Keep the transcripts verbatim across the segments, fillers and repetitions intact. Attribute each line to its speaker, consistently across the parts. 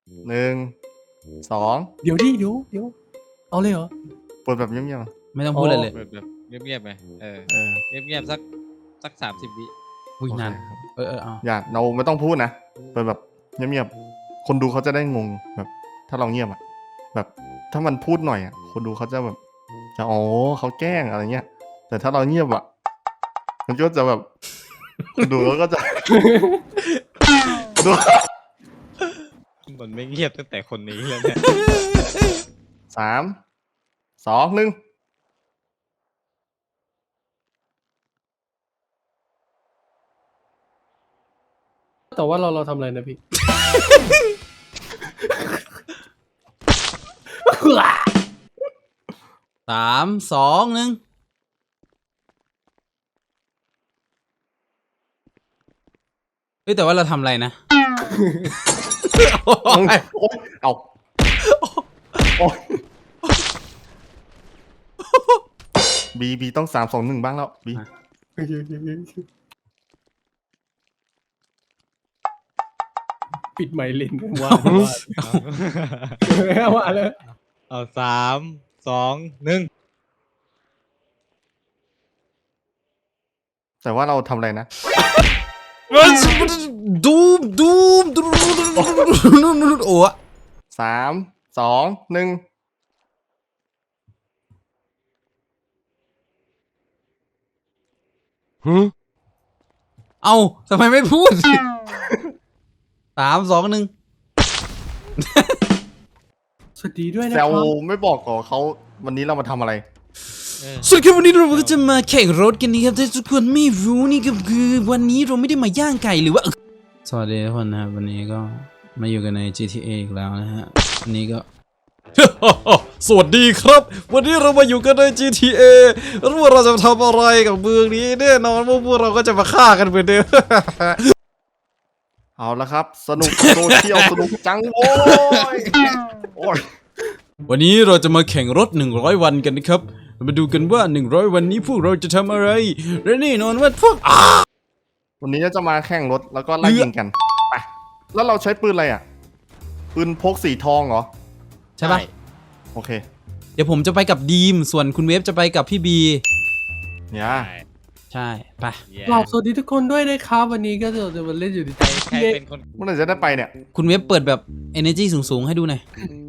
Speaker 1: หนึ่งสอง
Speaker 2: เดี๋ยวดิเดี๋ยวเดี๋ยวเอาเลยเหรอ
Speaker 1: เปิดแบบเงียบ
Speaker 3: ไม่ต้องพูดอะไรเลย
Speaker 4: เปิดแบบเงียบๆไปเออ
Speaker 1: ๆเออ
Speaker 4: เงียบๆสักสักสามสิบวิ
Speaker 3: อุ้ย
Speaker 1: โอเคน
Speaker 3: าน
Speaker 1: ครับ
Speaker 3: เออเออเอา
Speaker 1: อย่าเราไม่ต้องพูดนะเปิดแบบเงียบๆคนดูเขาจะได้งงแบบ ถ้าเราเงียบอะแบบถ้ามันพูดหน่อยอะคนดูเขาจะแบบจะอ๋อเขาแกล้งอะไรเงี้ย แต่ถ้าเราเงียบอะมันก็จะแบบคนดูเขาก็จะดู
Speaker 4: มันไม่เงียบตั้งแต่คนนี้แล้วเนี่ย
Speaker 1: สามสองหนึ่ง
Speaker 2: แต่ว่าเราเราทำอะไรนะพี่
Speaker 3: สามสองหนึ่งเฮ้ยแต่ว่าเราทำอะไรนะ
Speaker 1: โอ๊ยเอาโอ๊ยบีบีต้องสามสองหนึ่งบ้างแล้วบี
Speaker 2: ปิดไมค์เล่นว่าว่าว่าเลย
Speaker 4: เอาสามสองหนึ่ง
Speaker 1: แต่ว่าเราทำอะไรนะ
Speaker 3: ดูมดูมดูมโอ้
Speaker 1: สามสองหนึ่ง
Speaker 3: เอาทำไมไม่พูด สามสองหนึ่ง
Speaker 2: สวัสดีด้วยนะ
Speaker 1: แซ
Speaker 2: คว รับ
Speaker 1: ไม่บอกก่อนเขาวันนี้เรามาทำอะไร
Speaker 3: สวัสดีครับวันนี้เราก็จะมาแข่งรถกันนะครับถ้าทุกคนไม่รู้นี่ก็คือวันนี้เราไม่ได้มาย่างไก่หรือว่าสวัสดีทุกคนนะครับวันนี้ก็มาอยู่กันใน จี ที เอ อีกแล้วนะฮะวันนี้ก็ สวัสดีครับวันนี้เรามาอยู่กันใน จี ที เอ รู้ว่าเราจะทำอะไรกับเมืองนี้แน่นอนว่าพวกเราก็จะมาฆ่ากันเหมือนเดิม
Speaker 1: เอาละครับ สนุกโซเชียลสนุกจังโว้ยโอ้ย
Speaker 3: วันนี้เราจะมาแข่งรถหนึ่งร้อยวันกันนะครับมาดูกันว่าหนึ่งร้อยวันนี้พวกเราจะทำอะไรและแน่นอนว่าพวก
Speaker 1: วันนี้จะมาแข่งรถแล้วก็ไล่ยิงกันไปแล้วเราใช้ปืนอะไรอ่ะ ปืนพกสีทองเหรอ
Speaker 3: ใช่ปะ
Speaker 1: โอเค
Speaker 3: เดี๋ยวผมจะไปกับดีมส่วนคุณเวฟจะไปกับพี่บี
Speaker 1: เนี่ย
Speaker 3: ใช่ไป
Speaker 2: กราบสวัสดีทุกคนด้วยนะครับวันนี้ก็จะจะมาเล่นอยู่ใน
Speaker 4: ใครเป็นคน
Speaker 1: เมื่อไหร่จะได้ไปเนี่ย
Speaker 3: คุณเวฟเปิดแบบ energy สูงๆให้ดูหน่อย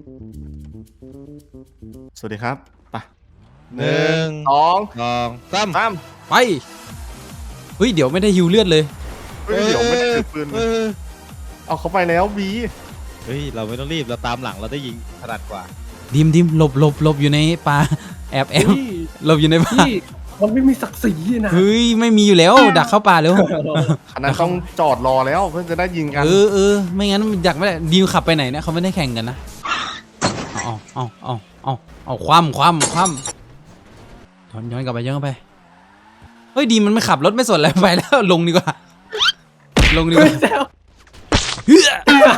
Speaker 1: สวัสดีครับไป
Speaker 4: หนึ่ง
Speaker 1: สอง
Speaker 4: สองสาม
Speaker 1: สาม
Speaker 3: ไปเฮ้ยเดี๋ยวไม่ได้ฮิวเลือดเลย
Speaker 1: เฮ้ยเดี๋ยวไม่ได้ถือปืน
Speaker 4: เออ
Speaker 1: เอาเขาไปแล้วบี
Speaker 4: เฮ้ยเราไม่ต้องรีบเราตามหลังเราได้ยิงถนัดกว่า
Speaker 3: ดิมดิมหลบหลบหลบอยู่ในป่าแอบแอบ
Speaker 2: พี่
Speaker 3: หลบอยู่ในป่า
Speaker 2: พี่มันไม่มีศักดิ์ศรีนะ
Speaker 3: เฮ้ยไม่มีอยู่แล้วดักเข้าป่าเร็ว
Speaker 1: ขนาดต้องจอดรอแล้วเพื่อจะได้ยิงกัน
Speaker 3: เออเออไม่งั้นอยากไม่ได้ดิวขับไปไหนเนี่ยเขาไม่ได้แข่งกันนะเอาเอาเอาเอาเอาคว่ำคว่ำคว่ำย้อนย้อนกลับไปย้อนกลับไปเฮ้ยดีมันไม่ขับรถไม่สนอะไรไปแล้วลงดีกว่าลงดีกว่า เฮ้ย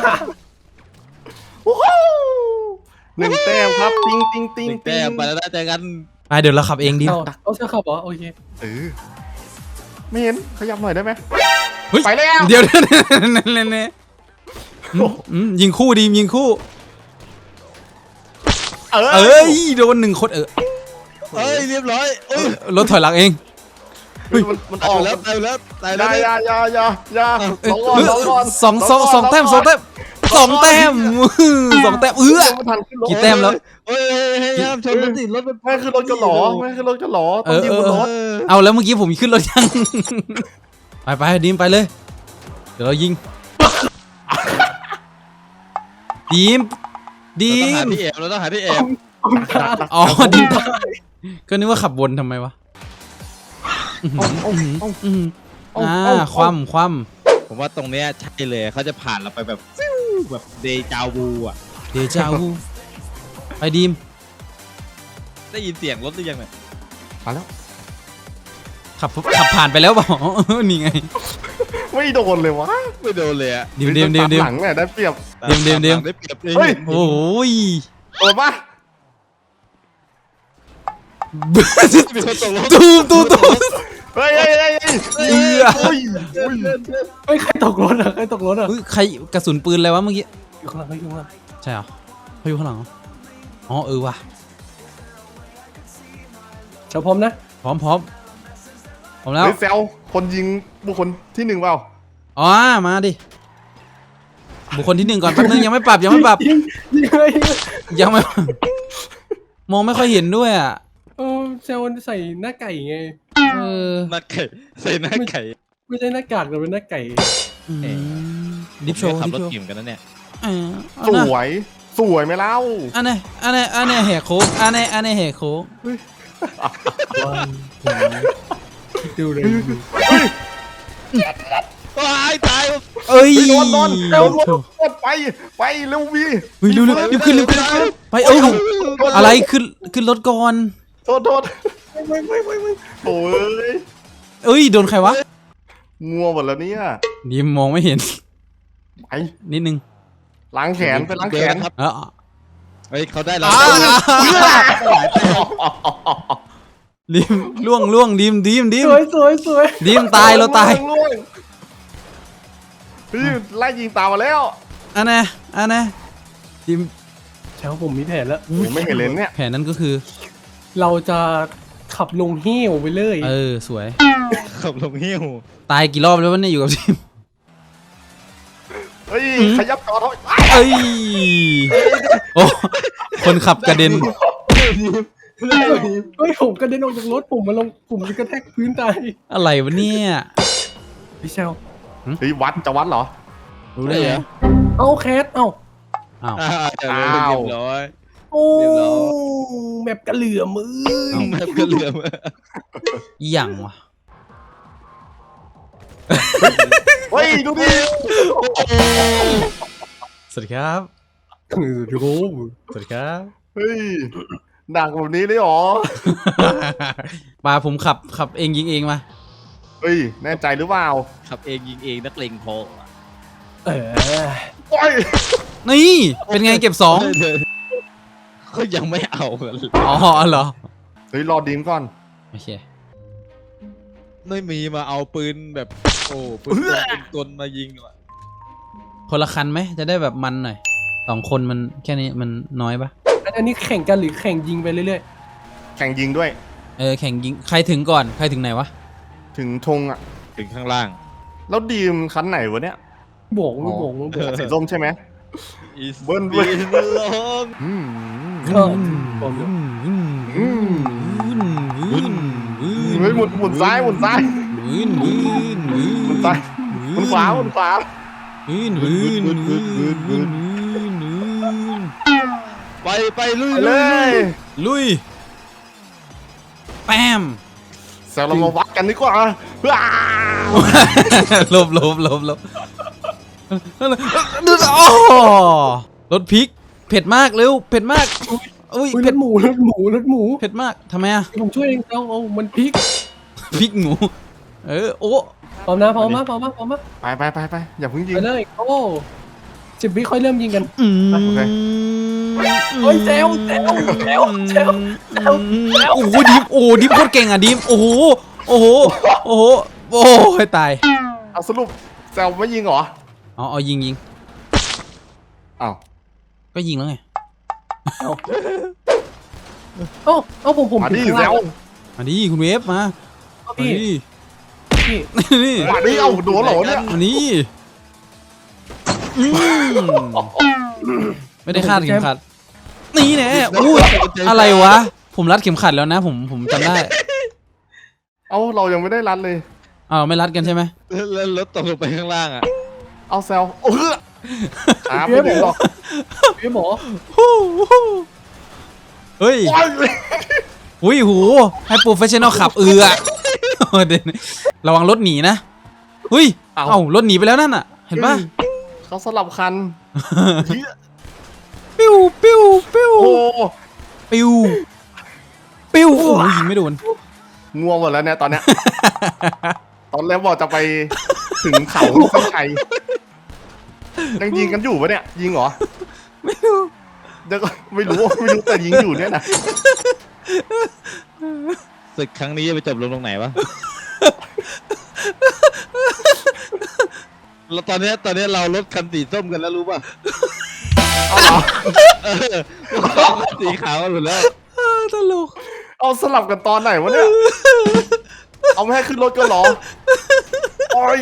Speaker 1: โอ้โหหนึ่งแต้มครับติ้งติ้งติ้ง
Speaker 4: แต้
Speaker 1: ติ้
Speaker 4: ม
Speaker 1: ง
Speaker 4: ไปแล้วนะเจอกัน
Speaker 3: ไปเดี๋ยวเราขับเองดิ
Speaker 2: เอาเอาเสื้อขับเหรอโอเค
Speaker 1: เออไม่เห็นขยับหน่อยได้ไหม
Speaker 3: เฮ้ย
Speaker 1: ไปแล้ว
Speaker 3: เดี๋ยวนั่นนั่นนั่นยิงคู่ดียิงคู่
Speaker 1: เออ
Speaker 3: เอ้ยโดนหนึ่งคนเออ
Speaker 4: เอ้ยเรียบร้อยเอ้ย
Speaker 3: รถถอยหลังเอง
Speaker 1: มันมันอ
Speaker 4: ตา
Speaker 1: อย ก
Speaker 4: แล้วตายแล้วตาย
Speaker 1: อ
Speaker 4: แล้ว
Speaker 1: ย่าอย่าอย่าอย่าอย่า
Speaker 3: เอ้ย
Speaker 1: สองก่อนสองก่อน
Speaker 3: สองสองสองแต้มสองแต้มสองแต้มสองแต้มเอื้อ
Speaker 1: ไม่ทันขึ้นรถ
Speaker 3: กี่แต้มแล้ว
Speaker 4: เฮ้ยเฮ้ยห้ามชนรถติดรถมัน
Speaker 1: ไม่ขึ้นรถกันหรอไม่ขึ้นรถกันหรอต้องยิงบนรถ
Speaker 3: เอาแล้วเมื่อกี้ผมขึ้นรถยัง ไปไปดีมไปเลย เดี๋ยวเรายิง ดีมดี
Speaker 4: เราต้องหาม ที่แอบเราต้องหาที่แอบ
Speaker 3: อ๋อดีมก็นึกว่าขับวนทำไมวะอ่าคว่ำคว่
Speaker 4: ผมว่าตรงเนี้ยใช่เลยเขาจะผ่านเราไปแบบฟิวแบบเดจาวูอ่ะ
Speaker 3: ำเดจาวูไปดีม
Speaker 4: ได้ยินเสียงรถหรือยังเนี่ย
Speaker 1: มาแล้ว
Speaker 3: ขับขับผ่านไปแล้วเปล่า นี่ไง
Speaker 1: ไม่โดนเลยวะ
Speaker 4: ไม่โดนเลยอ่ะ
Speaker 3: ดีมดีมดีมดีม
Speaker 1: หลังเนี่ยได้เปรียบ
Speaker 3: เดี๋ยวเดี๋ยวเดี๋ยว
Speaker 4: ได้เปรียบเลย
Speaker 1: เฮ้ย
Speaker 3: โอ้ย
Speaker 1: โดนปะ
Speaker 4: มีคนตกรถ
Speaker 3: ตูมตูมตูม
Speaker 1: เฮ้ยเฮ้ยเฮ้ยเฮ้ย
Speaker 3: เอื้อ
Speaker 1: เฮ้ยเฮ้ย
Speaker 2: เฮ้ยใครตกรถอ่ะใครตกรถอ่ะ
Speaker 3: เฮ้ยใครกระสุนปืนอะไรวะเมื่อกี้
Speaker 2: อยู่ข้างหลังเขาอยู่ข้างหลัง
Speaker 3: ใช่เหรอเขาอยู่ข้างหลังเหรออ๋อเออว่ะ
Speaker 2: เจ้าพร้อมนะ
Speaker 3: พร้อมพร้อมพร้อมแล้ว
Speaker 1: เฮ้ยแซวคนยิงบุคคลที่หนึ่งเปล่า
Speaker 3: อ๋อมาดิบุคคลที่หนึ่งก่อนแป๊บนึงยังไม่ปรับยังไม่ปรับ
Speaker 2: ยิงยิงเลยยิงเลย
Speaker 3: ยังไม่ มองไม่ค่อยเห็นด้วยอ่ะ
Speaker 2: เออเซลล์ใส่หน้าไก่ไง
Speaker 3: เออ
Speaker 4: หน้าไก่ใส่หน้าไก่
Speaker 2: ไม่ใช่หน้ากากแต่เป็นหน้าไก่
Speaker 3: อืมดิฟโชว์
Speaker 4: ขับ
Speaker 3: ดิฟ
Speaker 4: รถ
Speaker 3: โชว์
Speaker 4: ทีมกันนะเนี่ย
Speaker 3: เออเอา
Speaker 1: ส
Speaker 3: นะ
Speaker 1: วยสวยไหมเล่า
Speaker 3: อันนี้อันนี้อันนี้แหกโค้งอันนี้อันนี้แหกโค้ง
Speaker 2: วันคิดดูเลย
Speaker 4: ว้ายตาย
Speaker 3: เอ้ย
Speaker 1: นอนนอนเร็วรถไปไปเร็ววี
Speaker 3: เฮ้ยเร็วเร็วรีบขึ้นรีบขึ้นไปเอ้ยอะไรขึ้นขึ้นรถก่อน
Speaker 1: โทษโทษไม่ไม่ไม่ไม่โอ้ย
Speaker 3: เอ้ยโดนใครวะ
Speaker 1: งัวหมดแล้วเนี่ย
Speaker 3: ดิมมองไม่เห็น
Speaker 1: ไป
Speaker 3: นิดนึง
Speaker 1: ล้างแขนไปล้างแขน
Speaker 4: ครับ
Speaker 3: เออ
Speaker 4: เฮ้ยเขาได้แล้ว
Speaker 3: ดิมล่วงล่วงดิมดิมดิม
Speaker 2: สวยสวยสวย
Speaker 3: ดิมตายเราตาย
Speaker 1: ล่วงพี่ไล่ยิงตามมาแล้ว
Speaker 3: อันนี้อันนี้ดิม
Speaker 2: เช้าผมมีแผนแล้ว
Speaker 1: ผมไม่เห็นเลยเนี่ย
Speaker 3: แผนนั้นก็คือ
Speaker 2: เราจะขับลงเหี้ยวไปเลย
Speaker 3: เออสวย
Speaker 4: ขับลงหิ้ว
Speaker 3: ตายกี่รอบแล้ววะเนี่ยอยู่กับดิม
Speaker 1: เฮ้ยขยับจอเถอะ
Speaker 3: เอ้ยโอ้คนขับกระเด็น
Speaker 2: เฮ้ยผมกระเด็นออกจากรถผมมาลงผมจะกระแทกพื้นตาย
Speaker 3: อะไรวะเนี่ย
Speaker 2: พี่เชล
Speaker 1: เฮ้ยวัดจะวัดเหรอ
Speaker 3: รู้ได้ไง
Speaker 2: เอาแคสเอ้า
Speaker 3: อ้าว
Speaker 4: อ่าเรียบร้อย
Speaker 2: โอ้
Speaker 4: เรียบร้อย
Speaker 2: แบบกระเหลื่อมมือ
Speaker 4: แบบกระเหลือม
Speaker 3: อีหยังวะ
Speaker 1: เฮ้ยดูดิ
Speaker 3: สวัสดีครับ
Speaker 2: เออโอ้โห
Speaker 3: สวัสดีครับ
Speaker 1: เฮ้ยหนักแบบนี้เลยเหรอ
Speaker 3: ปาผมขับขับเองยิงเองมา
Speaker 1: เฮ้ยแน่ใจหรือเปล่า
Speaker 4: ขับเองยิงเองนักเลงพอ
Speaker 2: เออ
Speaker 1: โอ้ย
Speaker 3: นี่เป็นไงเก็บสอง
Speaker 4: ก็ยังไม่เอากัน
Speaker 3: อ๋อเหรอ
Speaker 1: เฮ้ยรอดีมก่อน
Speaker 3: โอเค
Speaker 4: ไม่มีมาเอาปืนแบบโอ้ปืนกลปืนกลมายิงหรอ
Speaker 3: คนละคันไหมจะได้แบบมันหน่อยสองคนมันแค่นี้มันน้อยปะ
Speaker 2: อันนี้แข่งกันหรือแข่งยิงไปเรื่อย
Speaker 1: แข่งยิงด้วย
Speaker 3: เออแข่งยิงใครถึงก่อนใครถึงไหนวะ
Speaker 1: ถึงธงอ่ะ
Speaker 4: ถึงข้างล่าง
Speaker 1: แล้วดีมคันไหนวะเนี่ย
Speaker 2: ๆโบกไม่โบกไม่โบก
Speaker 1: สีส้มใช่ไหม
Speaker 4: Is
Speaker 1: เบิ้ลเบิ้ล
Speaker 4: been long
Speaker 1: อืม
Speaker 2: ก็ผม
Speaker 3: อืม
Speaker 1: อืม
Speaker 3: อืม
Speaker 1: เฮ้ยหมุนหมุนซ้ายหมุนซ้าย
Speaker 3: อืมอืมอืม
Speaker 1: หมุนซ้ายหมุนขวาหมุนขวา
Speaker 3: อืมอืมอืมอืมอืมอืม
Speaker 4: ไปไปลุย
Speaker 1: ไปเลย
Speaker 3: ลุยแปม
Speaker 1: แซวเรามาวัดกันดีกว่าว้า
Speaker 3: ลบลบลบลบดูโอ้รถพริก เผ็ดมากเร็วเผ็ดมากอุ้ย
Speaker 2: อุ้ยร
Speaker 3: เผ็
Speaker 2: ถ
Speaker 3: ด
Speaker 2: หมูรถหมูรถหมู
Speaker 3: เผ็ดมากทำไมอะ
Speaker 2: ผมช่วยเองเอาเอามันพลิก
Speaker 3: พริกหมูเออโอ้
Speaker 2: พร้อมนะพร้อมนะพร้อมนะพร้อมนะ
Speaker 1: ไปไปไปไปอย่าเพิ่งยิง
Speaker 2: ไปเลยโอ้สิบวิค่อยเริ่มยิงกัน
Speaker 3: อืม
Speaker 1: โอเค
Speaker 2: โอ้ยแซวแซวแซวแซวแซวแซว
Speaker 3: โอ้โหดิฟโอ้โหดิฟโคตรเก่งอ่ะดิฟโอ้โหโอ้โหโอ้โหโอ้ยตาย
Speaker 1: เอาสรุปแซวไม่ยิงเหรอ
Speaker 3: อ๋อเอายิงยิง
Speaker 1: อ้าว
Speaker 3: ก็ยิงแล้วไง
Speaker 2: เอ้าเอ้าผมผม
Speaker 1: มา
Speaker 2: ถึ
Speaker 1: ดิ
Speaker 2: งข้าง
Speaker 1: แซ
Speaker 2: ล่าง
Speaker 1: ว
Speaker 3: มาดิคุณเวฟมา
Speaker 2: เอา
Speaker 3: มา
Speaker 2: พี่
Speaker 3: ดิ
Speaker 2: พี่
Speaker 3: นี่
Speaker 1: มาดิเอาโดนเหรอเนี่ย
Speaker 3: มานี่อืมไม่ได้คาดเข็มขัดนี่แน่อู้อะไรวะ ผมรัดเข็มขัดแล้วนะ ผมผมจำได้
Speaker 1: เอาเรายังไม่ได้รัดเลย
Speaker 3: อ้าวไม่รัดกันใช่ไหม
Speaker 4: แล้วรถตกลงไปข้างล่างอ่ะ
Speaker 1: เอาแซวเออตามไม่ถึงหรอก
Speaker 2: พี่หมอ
Speaker 3: เฮ้ย
Speaker 1: โอ้ย
Speaker 3: อุ้ยหูให้โปรเฟชชั่นอลขับเอือเด่นระวังรถหนีนะอุ้ยเอ้ารถหนีไปแล้วนั่นน่ะ เห็นปะ
Speaker 1: เขาสลับคันเหี้ย
Speaker 3: ปิ้วปิ้วปิ้ว
Speaker 1: โอ้
Speaker 3: ปิ้วปิ้วโอ้ยยิงไม่โดน
Speaker 1: งัวหมดแล้วเนี่ยตอนเนี้ย ตอนแรกบอกจะไปถึงเขาเส้นชัยยังยิงกันอยู่ปะเนี่ย ยิงเหรอ
Speaker 3: ไม่รู้
Speaker 1: เดี๋ยวก็ไม่รู้ไม่รู้แต่ยิงอยู่เนี่ยนะ
Speaker 4: ศึกครั้งนี้จะไปจบลงตรงไหนวะ แล้วตอนเนี้ยตอนเนี้ยเรารถคันสีส้มกันแล้วรู้ป่ะเออสีขาวหลุดแล้ว
Speaker 3: ตลก
Speaker 1: เอาสลับกันตอนไหนวะเนี่ย เอาไม่ให้ขึ้นรถก็หรอโอ้ย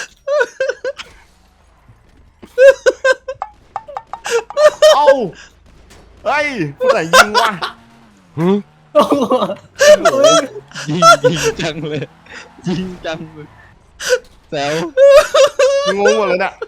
Speaker 1: เอาเฮ้ยผู้ไหนยิงวะ
Speaker 4: ยิงยิงจังเลยยิงจังเลยแซว
Speaker 1: งงหมดเลยเนี่ย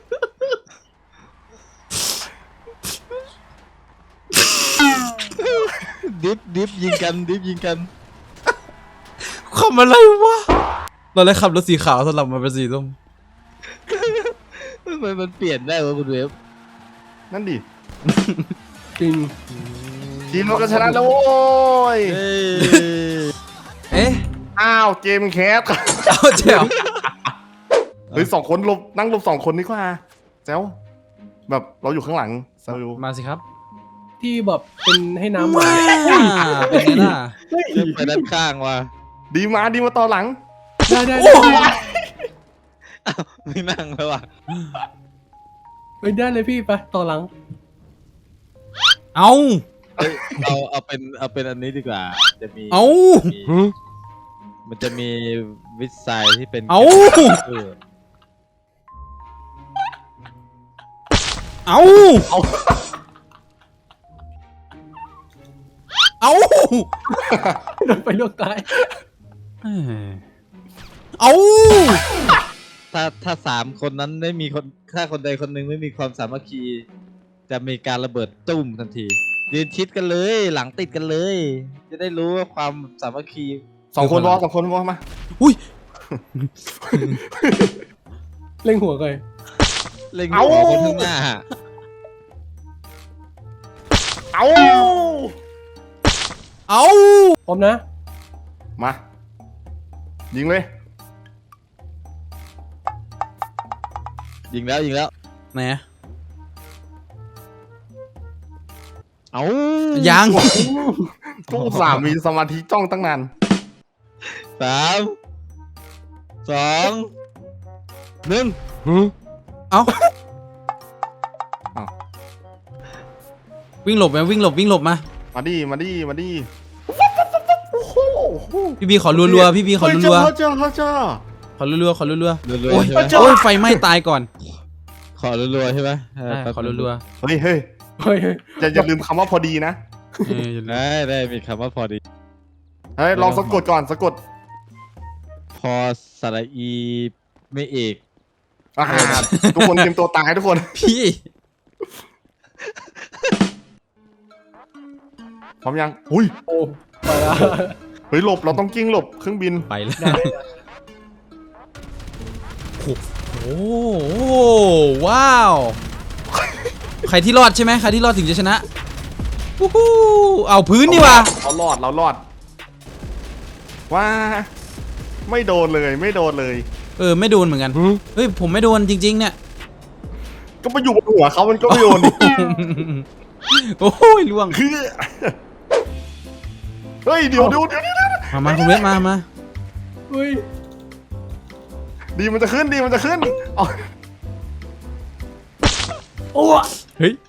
Speaker 4: ดิฟดิฟยิงกันดิฟยิงกัน
Speaker 3: ขับอะไรวะเราเลยขับรถสีขาวสลับมาเป็นสีส้ม
Speaker 4: ทำไมมันเปลี่ยนได้วะคุณเวฟ
Speaker 1: นั่นดิ
Speaker 2: จริง
Speaker 1: ทีมเราก็ชนะแล้วโว้ย
Speaker 4: เอ้ย
Speaker 3: เอ๊ะ
Speaker 1: อ้าวเกมแคส
Speaker 3: เอาเจ๋ว
Speaker 1: เฮ้ยสองคนหลบนั่งหลบสองคนดีกว่าแจ๋วแบบเราอยู่ข้างหลังแซวอยู่
Speaker 3: มาสิครับ
Speaker 2: ที่แบบเป็นให้น้ำหวา
Speaker 3: ว้าน เป็นไงล่ะ
Speaker 2: เฮ้ย
Speaker 4: ไปด้านข้างว่ะ
Speaker 1: ดีมาดีมาต่อหลัง
Speaker 2: ได้ได้
Speaker 3: โอ้
Speaker 2: ได้
Speaker 4: อ้าวไม่นั่งแล้วว่ะ
Speaker 2: ไปได้เลยพี่ไปต่อหลัง
Speaker 3: เอา
Speaker 4: เอ้ยเอาเอาเป็นเอาเป็นอันนี้ดีกว่าจะมี
Speaker 3: เอา
Speaker 4: มีมันจะมีวิสัยที่เป็น
Speaker 3: เอา
Speaker 4: เออ
Speaker 3: เอา
Speaker 1: เอา
Speaker 3: เอา
Speaker 2: โดนไปลวกตาย
Speaker 3: เอ้ยเอา
Speaker 4: ถ้าถ้าสามคนนั้นไม่มีคนถ้าคนใดคนหนึ่งไม่มีความสามัคคี จะมีการระเบิดตุ้มทันทียืนชิดกันเลย หลังติดกันเลย จะได้รู้ว่าความสามัคคี
Speaker 1: สองคนวอสองคนวอมา
Speaker 3: อุ้ย
Speaker 2: เล่งหัวก่อน
Speaker 4: เล็งหัวคนข้างหน้า
Speaker 1: เอา
Speaker 3: เอา
Speaker 2: พร้อมนะ
Speaker 1: มายิงเลย
Speaker 4: ยิงแล้วยิงแล้ว
Speaker 3: ไหนอะ
Speaker 4: เอา
Speaker 3: ยัง
Speaker 1: ก็อุตส่าห์มีสมาธิจ้องตั้งนาน
Speaker 4: สามสองหนึ่ง
Speaker 3: เอา
Speaker 1: เอา
Speaker 3: วิ่งหลบไหมวิ่งหลบวิ่งหลบมา
Speaker 1: มาดิมาดิมาดิโอ้โห
Speaker 3: พี่บีขอรัวๆพี่บีขอ
Speaker 1: เฮ้ย
Speaker 3: รัว
Speaker 1: เจ้าเจ้าเจ้า
Speaker 3: ๆขอรัวๆขอรัว
Speaker 4: รัว
Speaker 3: ๆโอ้ย
Speaker 4: ๆใช่ไหม
Speaker 3: โอ้ยไฟไหม้ตายก่อน
Speaker 4: ขอรัวๆใช่ไหมเ
Speaker 3: ได้
Speaker 4: แป๊บ
Speaker 3: ขอรัว
Speaker 1: เฮ้ยเฮ้ย
Speaker 2: เฮ้ยเฮ้ย
Speaker 1: อย่าอย่าลืมคำว่าพอดีนะ
Speaker 3: ๆเอออย่าลืม
Speaker 4: ได้ได้มีคำว่าพอดี
Speaker 1: เฮ้ยลองสะกดก่อนสะกด
Speaker 4: พอสระอีไม่เอก
Speaker 1: อาหารทุกคนเตรียมตัวตายทุกคน
Speaker 3: พี่
Speaker 1: พร้อมยังอุ้ย
Speaker 2: โอ้ไปละ
Speaker 1: เฮ้ยหลบเราต้องกิ้งหลบเครื่องบิน
Speaker 3: ไปแล้ว
Speaker 2: ได้
Speaker 3: โอ้โหว้าว ใครที่รอดใช่ไหมใครที่รอดถึงจะชนะวู้ฮู้เอาพื้นนี่วะ
Speaker 1: เรารอดเรารอดว้าไม่โดนเลยไม่โดนเลย
Speaker 3: เออไม่โดนเหมือนกันเฮ้ยผมไม่โดนจริง ๆ เนี่ย
Speaker 1: ก็ไปอยู่บนหัวเขามันก็ไม่โดนดิ
Speaker 3: โอ้ยล่วง
Speaker 1: คือเฮ้ยเดี๋ยวเดี๋ยวเดี๋ยวเดี๋ยว
Speaker 3: มามาคุณเวทมามา
Speaker 2: เฮ้ย
Speaker 1: ดีมันจะขึ้นดีมันจะขึ้นเอา
Speaker 2: โอ้
Speaker 3: เฮ้ย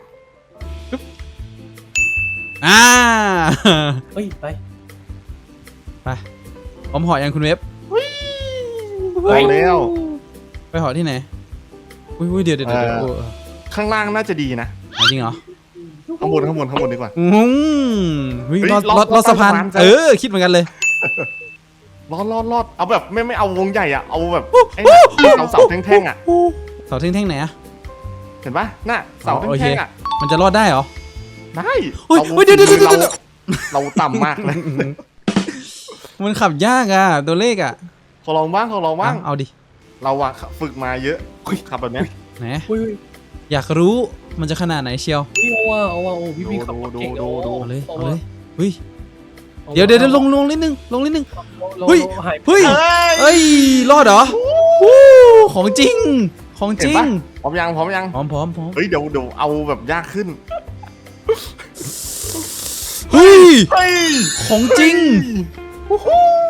Speaker 3: อ่า
Speaker 2: เฮ้ยไป
Speaker 3: ไปพร้อมเหอยังคุณเวฟ
Speaker 1: ไปแล้ว
Speaker 3: ไปเหอที่ไหนอุ้ยอุ้ยเดี๋ยวเดี๋ยวเดี๋ยว
Speaker 1: เออ
Speaker 3: โอ้
Speaker 1: ข้างล่างน่าจะดีนะ
Speaker 3: เอาจริงเหรอ
Speaker 1: ข้างบนข้างบนข้างบนดีกว่า
Speaker 3: อืมเฮ้ย
Speaker 1: เฮ้ย
Speaker 3: รอด
Speaker 1: รอด
Speaker 3: รอดรอดสะพาน
Speaker 1: รอดสะพาน
Speaker 3: เออคิดเหมือนกันเลย
Speaker 1: รอดรอดรอดเอาแบบไม่ไม่เอาวงใหญ่อะเอาแบบไอ้เสาเสาแท่งๆอะ
Speaker 3: เสาแท่งๆไหนอะ
Speaker 1: เห็นปะน่ะเสา
Speaker 3: อ๋อโอเค
Speaker 1: แท่งๆอะ
Speaker 3: มันจะรอดได้เหรอ
Speaker 1: ได้
Speaker 3: เฮ้ย
Speaker 1: อา
Speaker 3: เฮ้ยเดี๋ยวเดี๋ยวเดี๋ยวเดี๋ยว
Speaker 1: เราเราต่ำมากเลย
Speaker 3: มันขับยากอ่ะตัวเลขอ่ะ
Speaker 1: ขอลองบ้างขอลองบ้าง
Speaker 3: เอาเอาดิ
Speaker 1: เราอะฝึกมาเยอะขับแบบเนี้ย
Speaker 3: ไหน
Speaker 2: เฮ้ยเฮ้ย
Speaker 3: อยากรู้มันจะขนาดไหนเชียว
Speaker 2: เอาว่าเอาว่าโอ้พี่พี่ขับเก่ง
Speaker 1: ดูดูดู
Speaker 3: เอาเลย
Speaker 2: เอา
Speaker 3: เอา
Speaker 2: ว่า
Speaker 3: เลยเฮ้ยเดี๋ยวเดี๋ยวเดี๋ยวลงลงนิดนึงลงนิดนึง
Speaker 2: เรา
Speaker 3: เฮ้ย
Speaker 2: เราหาย
Speaker 3: เฮ้ย
Speaker 1: เอ้ย
Speaker 3: เอ้ยรอดเหรอวู้ของจริงของจ
Speaker 1: เห็น
Speaker 3: ริง
Speaker 1: ปะพร้อมยังพร้อมยัง
Speaker 3: พร้อมพร้อมพร้อม
Speaker 1: เฮ้ยเดี๋ยวเดี๋ยวเอาแบบยากขึ้น
Speaker 3: เฮ้ย
Speaker 1: เฮ้ย
Speaker 3: ของจริง
Speaker 1: ฮู้ฮู้